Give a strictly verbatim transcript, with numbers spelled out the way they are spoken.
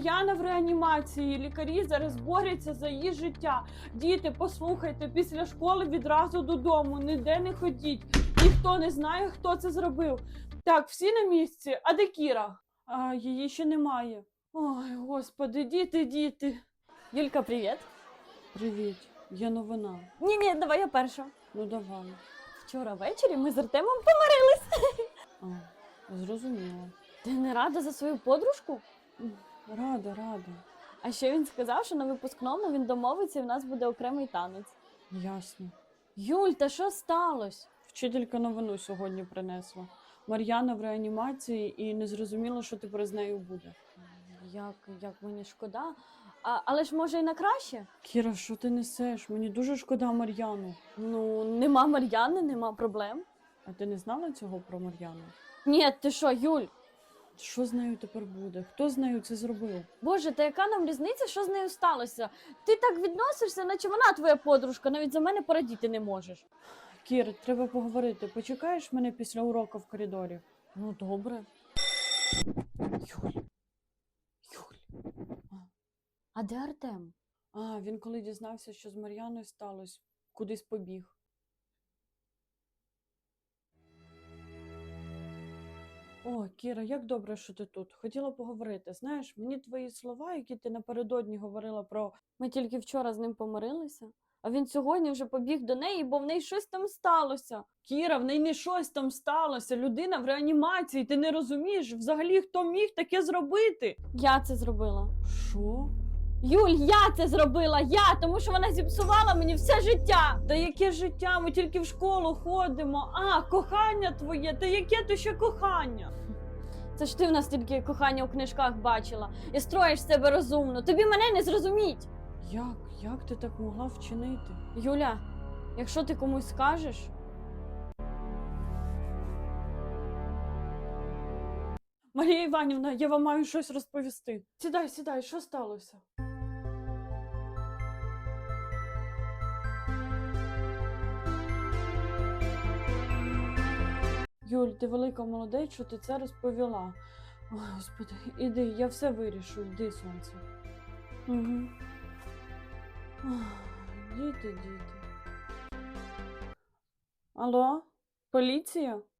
Мар'яна в реанімації, лікарі зараз борються за її життя. Діти, послухайте, після школи відразу додому, ніде не ходіть. Ніхто не знає, хто це зробив. Так, всі на місці, а де Кіра? А, її ще немає. Ой, господи, діти, діти. Юлька, привіт. Привіт, є новина. Ні-ні, давай я перша. Ну давай. Вчора ввечері ми з Артемом помирились. А, зрозуміла. Ти не рада за свою подружку? М, Рада, рада. А ще він сказав, що на випускному він домовиться і в нас буде окремий танець. Ясно. Юль, та що сталося? Вчителька новину сьогодні принесла. Мар'яна в реанімації і не зрозуміло, що тепер з нею буде. Як, як мені шкода. А, але ж може і на краще? Кіра, що ти несеш? Мені дуже шкода Мар'яну. Ну, нема Мар'яни, нема проблем. А ти не знала цього про Мар'яну? Ні, ти що, Юль? Що з нею тепер буде? Хто з нею це зробив? Боже, та яка нам різниця, що з нею сталося? Ти так відносишся, наче вона твоя подружка, навіть за мене порадіти не можеш. Кір, треба поговорити. Почекаєш мене після уроку в коридорі? Ну, добре. Юль. Юль. А де Артем? А, він коли дізнався, що з Мар'яною сталося, кудись побіг. О, Кіра, як добре, що ти тут. Хотіла поговорити. Знаєш, мені твої слова, які ти напередодні говорила про... Ми тільки вчора з ним помирилися, а він сьогодні вже побіг до неї, бо в неї щось там сталося. Кіра, в неї не щось там сталося. Людина в реанімації, ти не розумієш? Взагалі, хто міг таке зробити? Я це зробила. Що? Юль, я це зробила, я, тому що вона зіпсувала мені все життя. Та яке життя? Ми тільки в школу ходимо. А, кохання твоє, та яке то ще кохання? Це ж ти в нас тільки кохання у книжках бачила і строїш себе розумно. Тобі мене не зрозуміть. Як? Як ти так могла вчинити? Юля, якщо ти комусь скажеш, Марія Іванівна, я вам маю щось розповісти. Сідай, сідай, що сталося? Юль, ти велика молодець, що ти це розповіла. Ой, Господи, іди, я все вирішу, йди, сонце. угу. Ох, діти, діти. Алло? Поліція?